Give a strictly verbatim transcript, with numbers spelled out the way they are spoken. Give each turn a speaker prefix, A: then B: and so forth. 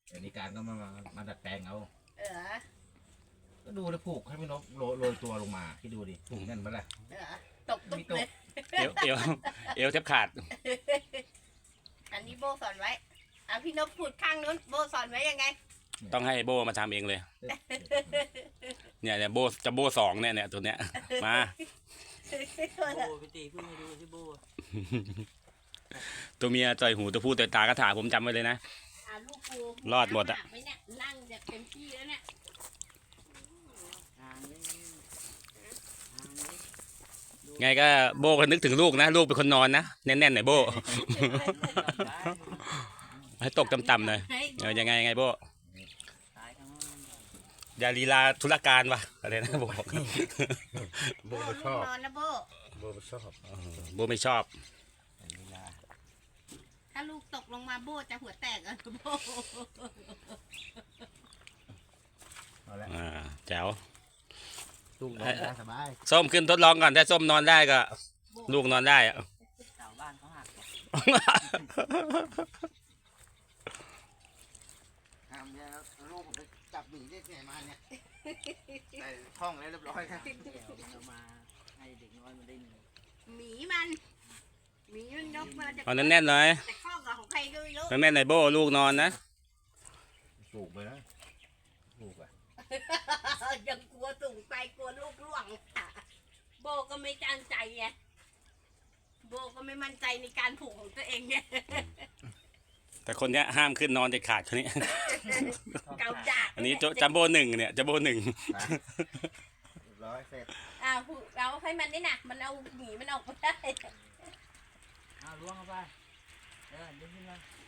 A: แต่นิการก็มามามาดัดแปลงเอา
B: เออ
A: ก็ดูแล้วผูกให้พี่นกโรโรยตัวลงมาพี่ดูดิผูกแน่นปะล่ะ
B: เออตกตุ๊บเลย
C: เอวเอวเอวแทบขาด
B: อันนี้โบสอนไว้อ่ะพี่นกพูดข้างนู้นโบสอนไว้ยังไง
C: ต้องให้โบมาทำเองเลย เนี่ยเนี่ยโบจะโบสองเนี่ยเนี่ยตัวเนี้ยมา
D: โบไปตีเพิ่งมาดูที่โบ
C: ตัวเมียต่อยหูตัวผู้ต่อยตากระถาผมจำไว้เลยนะ
B: อ่ะลูกกู
C: รอดหมดอะ
B: น้ำกไเนี่ยนั่งแบบเต็มที่แล้วเนี่ย
D: ทางนี้ทางนี้
C: ไงก็โบก็นึกถึงลูกนะลูกเป็นคนนอนนะแน่นๆหน่อยโบ ให้ตกต่ำๆหน่อย
B: ให้
C: เออยังไงยังไงโบ
D: ตายทั้งนั้น
C: อย่าลีลาธุรการวะอะไรนะโบ
A: โบ
B: โบ
A: ไม่
B: ลู
A: ช
B: ก
A: อบ
B: นอนนะโบ
A: โบไม่ชอบ
C: เออโบไม่ชอบ
A: เวลา
B: ถ้าลูกตกลงมาโบจะหัวแตกอ่ะโบ
A: เอาละ
C: อ่าแจ๋ว
A: ลูกนอนได้สบาย
C: ส้มขึ้นทดลองก่อนถ้าส้มนอนได้ก็ ลูกนอนได้อะ
D: เสาบ้านเขาหัก
A: ทำเนี่ยลูกผมไปจับหมีได้ไงมาเนี่ยใส่ห้องแล้วเรียบร้อยครับ
D: เดี๋ยวเรามาให้เด็กน้อยมันได้หนึ่ง
B: หมีมันหมีมันยกมาจาก
C: เอาแน่นๆหน่อย
B: แต่ข้อกับของใครก็ไม่รู้
C: แน่นๆหน่อยโบลูกนอนนะ
A: สูบไปนะลูกอะ
B: ยังกลัวสูงไปกลัวลูกร่วงโบก็ไม่ตั้งใจไงโบก็ไม่มั่นใจในการผูกของตัวเองไง
C: แต่คนเนี้ยห้ามขึ้นนอนเด็ดขาดคนนี้
B: เกาดาด
C: อันนี้จัมโบ้หนึ่งเนี่ยจัมโบ้หนึ่ง
A: ไปเรียบร้อยเสร็จ
B: อ่าผูกเราให้มันนี่นะมันเอาหมีมันออกมาได้
D: เอาล้วงเข้าไปเออดึงขึ้นมา